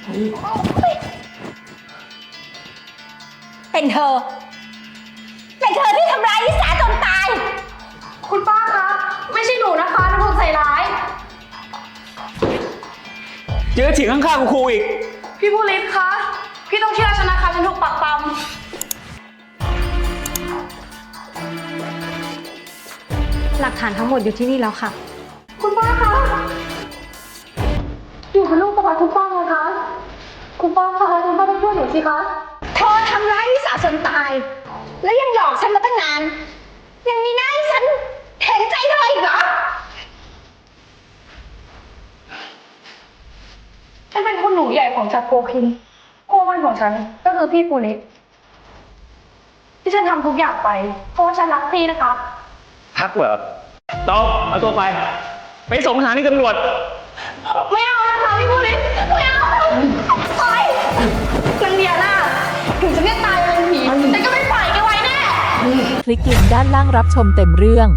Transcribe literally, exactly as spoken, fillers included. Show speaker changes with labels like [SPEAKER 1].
[SPEAKER 1] เป็นเธอ เป็นเธอที่ทำร้ายลิสาจนตาย
[SPEAKER 2] คุณป้าคะไม่ใช่หนูนะคะที่ถูกใส่ร้าย
[SPEAKER 3] เจอเถียงข้างๆกับครูอีก
[SPEAKER 2] พี่ผู้ลิศคะพี่ต้องเชื่อฉันนะคะฉันถูกปักปั๊ม
[SPEAKER 1] หลักฐานทั้งหมดอยู่ที่นี่แล้วค่ะ
[SPEAKER 2] คุณป้าคะอยู่เป็นลูกสะใภ้คุณป้าไงคะคุณป้าคะคุณป้าต้องช่วยหนูสิคะ
[SPEAKER 1] เธอทำร้ายลิสาจนตาย แล้วยังหลอกฉันมาตั้งนาน ยังมีหน้าให้ฉันเห็นใจเธออีกเหรอ
[SPEAKER 2] ฉันเป็นคุณหนูใหญ่ของจักรโกคินคู่มั่นของฉันก็คือพี่ปูนิดที่ฉันทำทุกอย่างไปเพราะว่าฉันรักพี่นะคะ
[SPEAKER 3] พักเหรอตอบเอาตัวไป ไปส่งสถานีตำรวจ
[SPEAKER 2] ไม่เอานะคะพี่ปูนิดไม่เอาปล่อยนางเดียน่าถึงจะไม่ตายเป็นผีแต่ก็ไม่ปล่อยแกไว้แน่
[SPEAKER 4] คลิกลิงก์ด้านล่างรับชมเต็มเรื่อง